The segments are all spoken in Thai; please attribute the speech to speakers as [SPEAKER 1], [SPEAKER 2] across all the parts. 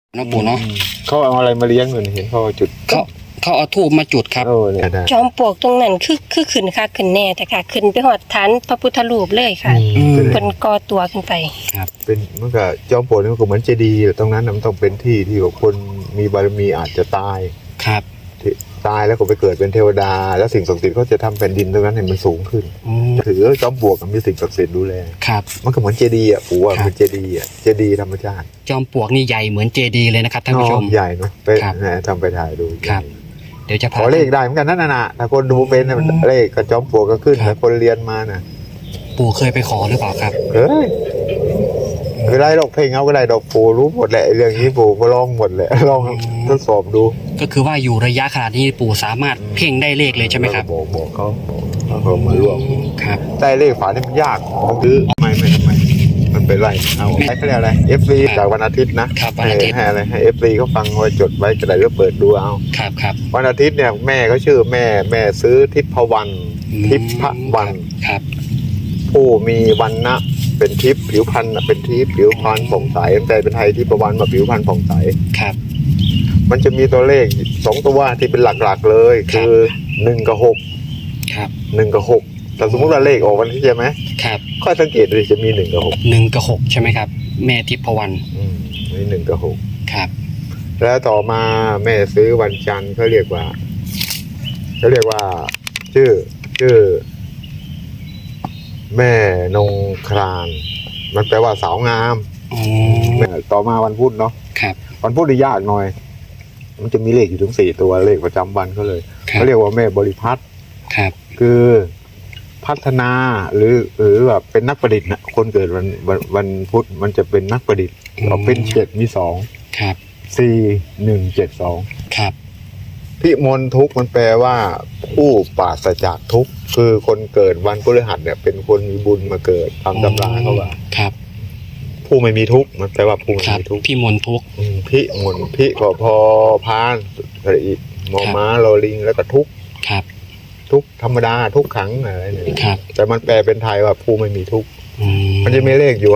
[SPEAKER 1] นะปู่เนาะ
[SPEAKER 2] เขาเอาอะไรมาเลี้ยงอยู่นี่เห็นเขาจุด
[SPEAKER 1] เขาเอาธูปมาจุดครับ
[SPEAKER 2] เนี่ย
[SPEAKER 3] จอมปลวกตรงนั้นคือขึ้นค่ะขึ้นแน่แต่ค่ะขึ้นไปหอดฐานพระพุทธรูปเลยค่ะเป็นก่อตัวขึ้นไป
[SPEAKER 1] ครับ
[SPEAKER 2] เป็นเมื่อกี้จอมปลวกนี่มันก็เหมือนเจดีย์ตรงนั้นมันต้องเป็นที่ที่คนมีบารมีอาจจะตาย
[SPEAKER 1] ครับ
[SPEAKER 2] ตายแล้วก็ไปเกิดเป็นเทวดาแล้วสิ่งศักดิ์สิทธิ์เขาจะทำแผ่นดินตรงนั้นให้มันสูงขึ้นถือจอมปลวกมีสิ่งศักดิ์สิทธิ์ดูแล
[SPEAKER 1] ครับ
[SPEAKER 2] มันก็เหมือนเจดีย์อ่ะปู่ว่าเป็นเจดีย์อ่ะเจดีย์ธรรมชาติ
[SPEAKER 1] จอมปลวกนี่ใหญ่เหมือนเจดีย์เลยนะครับท่านผู้ชม
[SPEAKER 2] ใหญ่เนาะไปทำไปถ่ายดู
[SPEAKER 1] ครับเดี๋ยวจะ
[SPEAKER 2] ขอเลขได้เหมือนกันนั่นน่ะถ้าคนดูเป็นเลขกับจอมปลวกก็ขึ้นแต่คนเรียนมาน่ะ
[SPEAKER 1] ปู่เคยไปขอหรือเปล่าครับ
[SPEAKER 2] คือได้ดอกเพลงเอาก็ได้ดอกปู่รู้หมดแหละเรื่องนี้ปู่ก็ลองหมดแหละลองทดสอบดู
[SPEAKER 1] ก็คือว่าอยู่ระยะขนาดนี้ปู่สามารถเพ่งได้เลขเลยใช่ไหมครับ
[SPEAKER 2] บอกเขามาร่วม
[SPEAKER 1] ครับ
[SPEAKER 2] ได้เลขฝานี่มันยากของซื้อไม่มันเป็นไรเอาใช้เขาเรียกอะไร FC จากวันอาทิตย์นะให้อะไรให้ FC เขาฟังไว้จดไว้กระดาษก็เปิดดูเอา
[SPEAKER 1] ครับ
[SPEAKER 2] วันอาทิตย์เนี่ยแม่เขาชื่อแม่ซื้อทิพวรรณทิพวรรณ
[SPEAKER 1] ครับ
[SPEAKER 2] ผู้มีวรรณะเป็นทิพย์ผิวพรรณเป็นทิพย์ผิวพรรณผ่องใสแต่เป็นไทยทิพวรรณมาผิวพรรณผ่องใส
[SPEAKER 1] ครับ
[SPEAKER 2] มันจะมีตัวเลข2ตัวที่เป็นหลักๆเลยคือ1กับ6
[SPEAKER 1] ครับ
[SPEAKER 2] 1กับ6แต่สมมติว่าเลขออกวันที่ใช่ไหม
[SPEAKER 1] ครับ
[SPEAKER 2] ค่อยสังเกตดูจะมี1กับ6
[SPEAKER 1] 1กับ6ใช่ไหมครับแม่ทิพวรรณ
[SPEAKER 2] มี1กับ6
[SPEAKER 1] ครับ
[SPEAKER 2] แล้วต่อมาแม่ซื้อวันจันทร์เขาเรียกว่าชื่อแม่นงครานมันแปลว่าสาวงามต่อมาวันพุธเนาะวันพุธนี่ยากหน่อยมันจะมีเลขอยู่ถึง4ตัวเลขประจำวันเขาเลยเขาเรียกว่าแม่บริพัตรคือพัฒนาหรือแบบเป็นนักประดิษฐ์นะคนเกิดวันพุธมันจะเป็นนักประดิษฐ์เอาเป็น7มี2
[SPEAKER 1] ครับ
[SPEAKER 2] 4 1 7 2
[SPEAKER 1] ครับ
[SPEAKER 2] พิมลทุกข์มันแปลว่าผู้ปราศจากทุกข์คือคนเกิดวันพฤหัสเนี่ยเป็นคนมีบุญมาเกิดตามตำราเขาว่า
[SPEAKER 1] ครับ
[SPEAKER 2] ผู้ไม่มีทุกข์มันแปลว่าผู้ไม่มีทุกข์
[SPEAKER 1] พิมลทุกข์
[SPEAKER 2] พิมลพิก็พอพานอะไรอีกมอม้าลอลิงแล้วก็ทุกข์
[SPEAKER 1] ครับ
[SPEAKER 2] ทุกธรรมดาทุกขังอะไรเนี่ยแต่มันแปลเป็นไทยว่าผู้ไม่มีทุกข์มันจะมีเลขอยู่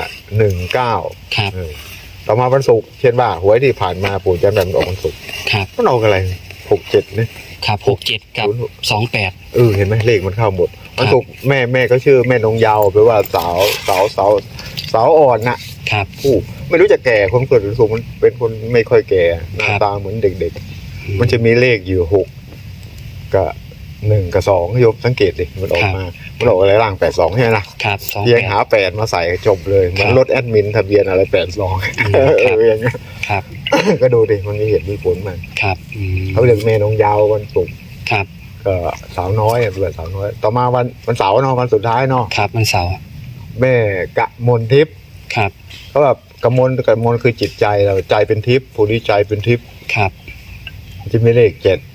[SPEAKER 2] 519
[SPEAKER 1] ครับ
[SPEAKER 2] ต่อมาวันศุกร์เช่นว่าหวยที่ผ่านมาปู่จำได้มันออกวันศุกร์มันออกอะไร67นี่
[SPEAKER 1] ครับ67กับ28
[SPEAKER 2] เห็นไหมเลขมันเข้าหมดวันศุกร์แม่ก็ชื่อแม่นงยาวแปลว่าสาวอ่อนนะครับผู้ไม่รู้จะแก่คนเกิดวันศุกร์มันเป็นคนไม่ค่อยแก่หน้าตาเหมือนเด็กๆมันจะมีเลขอยู่6กับ1กับ2โยมสังเกตดิมันออกมามันออกอะไรล่าง82ใช่ไหมล่ะ
[SPEAKER 1] ครับ
[SPEAKER 2] เพียงหา8มาใส่จบเลยมันรถแอดมินทะเบียนอะไร82อย่างเงี้ย
[SPEAKER 1] ครับ
[SPEAKER 2] ก็ดูดิมันมีเหตุมีผลมัน
[SPEAKER 1] ครับ
[SPEAKER 2] เขาเรียกเมนงยาววันศุกร์
[SPEAKER 1] ครับ
[SPEAKER 2] ก็สาวน้อยเบื่อสาวน้อยต่อมาวันเสาร์เนาะวันสุดท้ายเนาะ
[SPEAKER 1] ครับวันเสาร์
[SPEAKER 2] แม่กะมลทิพย์
[SPEAKER 1] ครับ
[SPEAKER 2] เขาแบบกะมลคือจิตใจเราใจเป็นทิพย์ผู้นี้ใจเป็นทิพย์
[SPEAKER 1] ครับ
[SPEAKER 2] จะมีเลข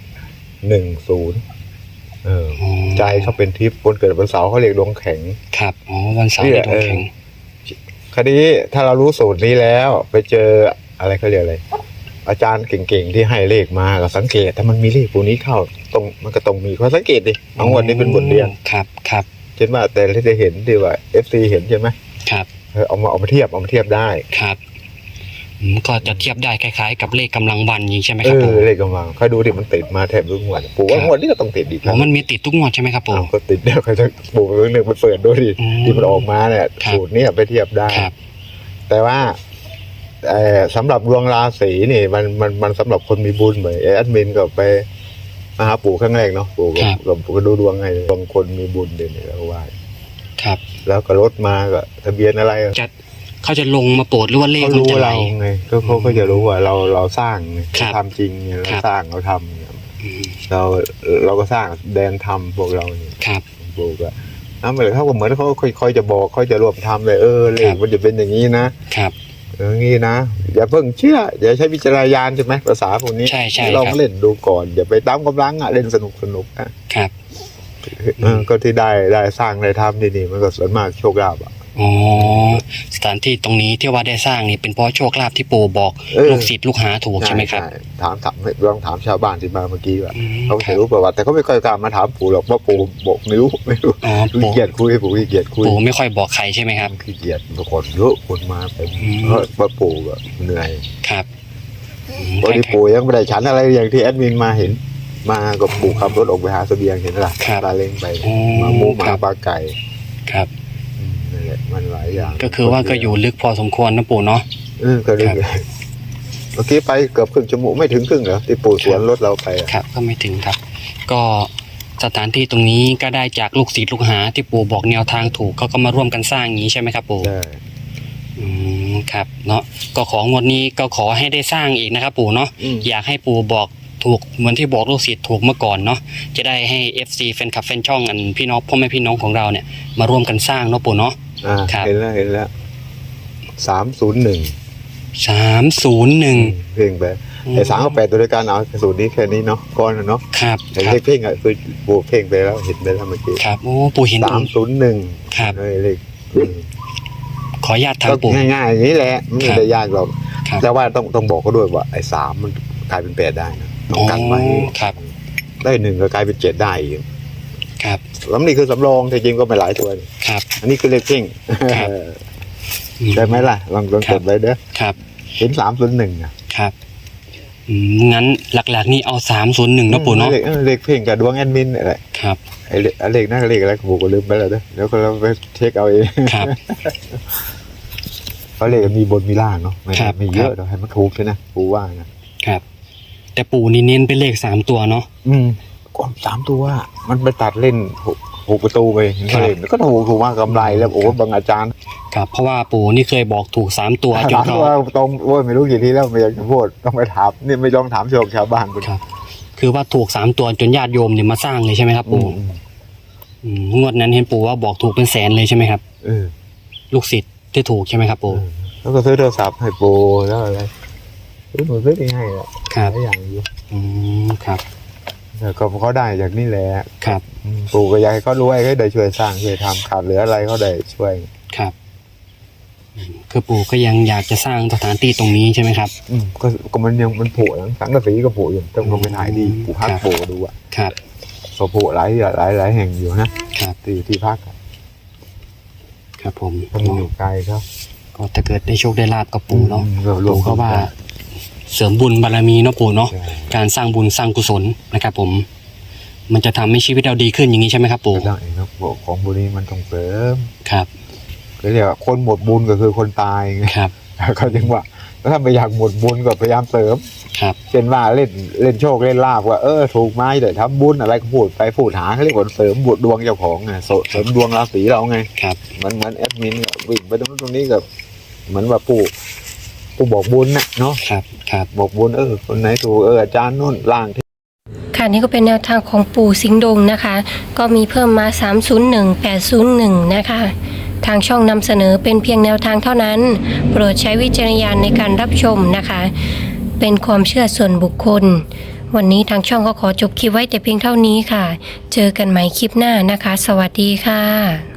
[SPEAKER 2] 710ใจเขาเป็นทิพย์คนเกิดวันเสาร์เขาเรียกดวงแข็ง
[SPEAKER 1] ครับวันเสาร์เรียกดวงแข็ง
[SPEAKER 2] คดีถ้าเรารู้สูตรนี้แล้วไปเจออะไรเขาเรียกอะไรอาจารย์เก่งๆที่ให้เลขมาก็สังเกตถ้ามันมีเลขพวกนี้เข้ามันก็ต้องมีข้อสังเกตดิทั้งหมดนี้เป็นบทเรียน
[SPEAKER 1] ครับ
[SPEAKER 2] เช่นว่าแต่ที่ได้เห็นดีว่า FC เห็นใช่ไหม
[SPEAKER 1] ครับ
[SPEAKER 2] เอามาเทียบได้
[SPEAKER 1] ครับก็จะเทียบได้คล้ายๆกับเลขกำลังวันนี้ใช่ไหมครับ
[SPEAKER 2] เลขกำลังใครดูดิมันติดมาแทบทุกงวดปู่ว่างวดนี้ก็ต้องติดอีก
[SPEAKER 1] มันมีติดทุกงวดใช่ไหมครับปู่
[SPEAKER 2] ก็ติดเดี๋ยวใครจะปู่เรื่องหนึ่งมันเปิดด้วยดิที่มันออกมาเนี่ยสูตรนี้ไปเทียบได้แต่ว่าสำหรับดวงราศีนี่มันสำหรับคนมีบุญเหมือนแอดมินก็ไปมาหาปู่ครั้งแรกเนาะปู่ก็ดูดวงให้บางคนมีบุญเด่นแล้วว่า
[SPEAKER 1] ครับ
[SPEAKER 2] แล้วก็รถมาก็ทะเบียนอะไร
[SPEAKER 1] เขาจะลงมาโปรดหรือว่าเลข
[SPEAKER 2] เขารู้เราไงเขาก็จะรู้ว่าเราสร้างทำจริงเราสร้างเราทำเราก็สร้างแดนทำพวกเรา
[SPEAKER 1] ครับ
[SPEAKER 2] ปู่ก็เหมือนเขาก็เหมือนเขาค่อยจะบอกค่อยจะรวบทำเลยเลขมันจะเป็นอย่างนี้นะครับอย่างนี้นะอย่าเพิ่งเชื่ออย่าใช้วิจารณญาณใช่ไหมภาษาพวกนี้ลองเล่นดูก่อนอย่าไปตามกำลังเล่นสนุก
[SPEAKER 1] นะครับ
[SPEAKER 2] ก็ที่ได้สร้างได้ทำนี่มันก็ส่วนมากโชคลาภ
[SPEAKER 1] สถานที่ตรงนี้ที่ว่าได้สร้างนี่เป็นเพราะโชคลาภที่ปู่บอกลูกศิษย์ลูกหาถูกใช่ไหมครับ
[SPEAKER 2] ถามลองถามชาวบ้านที่มาเมื่อกี้ว่าเขาจะรู้ประวัติแต่เขาไม่ค่อยกล้ามาถามปู่หรอกเพราะปู่บอกไม่รู้ขี้เกียจคุยปู่ขี้เกียจคุย
[SPEAKER 1] ปู่ไม่ค่อยบอกใครใช่ไหมครับ
[SPEAKER 2] ขี้เกียจคนเยอะคนมาเป็นเพราะปู่ก็เหนื่อย
[SPEAKER 1] ครับ
[SPEAKER 2] พอดีปู่ยังไม่ได้ฉันอะไรอย่างที่แอดมินมาเห็น มากับปู่ขับรถออกไปหาเสบียงเห็นหรอตาเล้งไปมาหมูหมาปลาไก่
[SPEAKER 1] ครับ
[SPEAKER 2] นั่นแหละมันหลายอย่าง
[SPEAKER 1] ก็คือว่าก็อยู่ลึกพอสมควรนะปู่เนาะ
[SPEAKER 2] ก็ลึกเมื่อกี้ไปเกือบครึ่งชั่วโมงไม่ถึงครึ่งเหรอที่ปู่สวนรถเราไป
[SPEAKER 1] ครับก็ไม่ถึงครับก็สถานที่ตรงนี้ก็ได้จากลูกศิษย์ลูกหาที่ปู่บอกแนวทางถูกเขาก็มาร่วมกันสร้างอย่างนี้ใช่ไหมครับปู่
[SPEAKER 2] ใช่
[SPEAKER 1] ครับเนาะก็ของวดนี้ก็ขอให้ได้สร้างอีกนะครับปู่เนาะอยากให้ปู่บอกถูกเหมือนที่บอกลูกศิษย์ถูกเมื่อก่อนเนาะจะได้ให้ FC แฟนคลับแฟนช่องอันพี่น้องพ่อแม่พี่น้องของเราเนี่ยมาร่วมกันสร้างเนาะปู่เนาะ
[SPEAKER 2] เห็นแล้ว301เพลงไปไอ้3 กับ 8ตัวด้วยกันเอาสูตรนี้แค่นี้เนาะก้อนเนาะ
[SPEAKER 1] ครับ
[SPEAKER 2] แต่เลขเพลงอ่ะคือปู่เพลงไปแล้วเห็นไปแล้วเมื่อกี้
[SPEAKER 1] ครับโอ้ปู่เห็น
[SPEAKER 2] 301
[SPEAKER 1] ครับ
[SPEAKER 2] เลข
[SPEAKER 1] ขออนุญาตถามปู่
[SPEAKER 2] ง่ายๆอย่างนี้แหละไม่ได้ยากหรอกแต่ว่าต้องบอกเขาด้วยว่าไอ้3มันกลายเป็น8ได้นะต้องกันไว้
[SPEAKER 1] ครับ
[SPEAKER 2] ได้1ก็กลายเป็น7ได้อีก
[SPEAKER 1] ครับ
[SPEAKER 2] แล้วนี่คือสำรองจริงๆก็ไม่หลายตัว
[SPEAKER 1] ครับ
[SPEAKER 2] อันนี้คือเลขเพ่งได้ไหมล่ะลองจดไว้เด้อ
[SPEAKER 1] ครับ
[SPEAKER 2] เห็น301
[SPEAKER 1] ครับงั้นหลักๆนี่เอา301นะปู่เนาะ
[SPEAKER 2] เลขเพ่งกับดวงแอดมินอะไร
[SPEAKER 1] ครับ
[SPEAKER 2] ไอ้เลขนั่นเลขอะไรผมก็ลืมไปแล้วเด้อเดี๋ยวเราไปเช็คเอาเอง
[SPEAKER 1] ครับ
[SPEAKER 2] เพราะเลขมีบนมีล่างเนาะไม่เยอะเดี๋ยวให้มันถูกเลยนะปู่ว่านะครับ
[SPEAKER 1] แต่ปู่นี่เน้นเป็นเลข3ตัวเนาะ
[SPEAKER 2] ก่อน3ตัวมันไปตัดเล่น6ประตูไปเห็นเลขก็ถูกมากกำไรแล้วโอ้บางอาจารย์
[SPEAKER 1] ครับเพราะว่าปู่นี่เคยบอกถูก3ตัว
[SPEAKER 2] จนเขาตรงโอ้ยไม่รู้กี่ทีแล้วไม่อยากจะพูดต้องไปถามนี่ไม่ลองถามชาวบ้าน
[SPEAKER 1] ครับคือว่าถูก3ตัวจนญาติโยมเนี่ยมาสร้างเลยใช่ไหมครับปู่งวดนั้นเห็นปู่ว่าบอกถูกเป็นแสนเลยใช่ไหมครับลูกศิษย์ที่ถูกใช่ไหมครับปู่
[SPEAKER 2] แล้วก็ซื้อโทรศัพท์ให้ปู่แล้วอะไรซื้อที่ให้แหละ
[SPEAKER 1] ครับ
[SPEAKER 2] อย่างอยู่
[SPEAKER 1] ครับ
[SPEAKER 2] แต่ก็เขาได้จากนี่แหละ
[SPEAKER 1] ครับ
[SPEAKER 2] ปู่ก็อยากให้เขารวยให้ได้ช่วยสร้างช่วยทำขาดเหลืออะไรเขาได้ช่วย
[SPEAKER 1] ครับคือปู่ก็ยังอยากจะสร้างสถานที่ตรงนี้ใช่ไหมครับ
[SPEAKER 2] ก็มันยังมันโผล่สังกะสีก็โผล่อยู่ต้องลงไปถ่ายดีปู่พักโผล่ดูอ่ะ
[SPEAKER 1] ครับ
[SPEAKER 2] ก็โผล่หลายแห่งอยู่นะครับที่พัก
[SPEAKER 1] ครับผม
[SPEAKER 2] มันอยู่ไกลครับ
[SPEAKER 1] ก็ถ้าเกิดได้โชคได้ลาบกับปู่เนาะปู่ก็ว่าเสริมบุญบารมีเนาะปู่เนาะการสร้างบุญสร้างกุศลนะครับผมมันจะทำให้ชีวิตเราดีขึ้นอย่างนี้ใช่ไหมครับปู่
[SPEAKER 2] ได้ครับของบุญนี้มันต้องเสริม
[SPEAKER 1] ครับ
[SPEAKER 2] ก็เรียกว่าคนหมดบุญก็คือคนตายไง
[SPEAKER 1] ครับ
[SPEAKER 2] เขาจึงว่าถ้าไม่อยากหมดบุญก็พยายามเสริม
[SPEAKER 1] ครับ
[SPEAKER 2] เช่นว่าเล่นโชคเล่นลาภว่าถูกไม้เดี๋ยวทำบุญอะไรก็พูดหาเขาเรียกว่าเสริมบุญดวงเจ้าของไงเสริมดวงราศีเราไง
[SPEAKER 1] ครับ
[SPEAKER 2] เหมือนแอดมินวิ่งไปตรงนี้กับเหมือนว่าปู่บอกบุญนะเนาะ
[SPEAKER 1] ครับ
[SPEAKER 2] บอกบุญคนไหนถูกอาจารย์นู่นล่าง
[SPEAKER 3] ค่ะนี่ก็เป็นแนวทางของปู่สิงห์ดงนะคะก็มีเพิ่มมา301 801นะคะทางช่องนำเสนอเป็นเพียงแนวทางเท่านั้นโปรดใช้วิจารณญาณในการรับชมนะคะเป็นความเชื่อส่วนบุคคลวันนี้ทางช่องก็ขอจบคลิปไว้แต่เพียงเท่านี้ค่ะเจอกันใหม่คลิปหน้านะคะสวัสดีค่ะ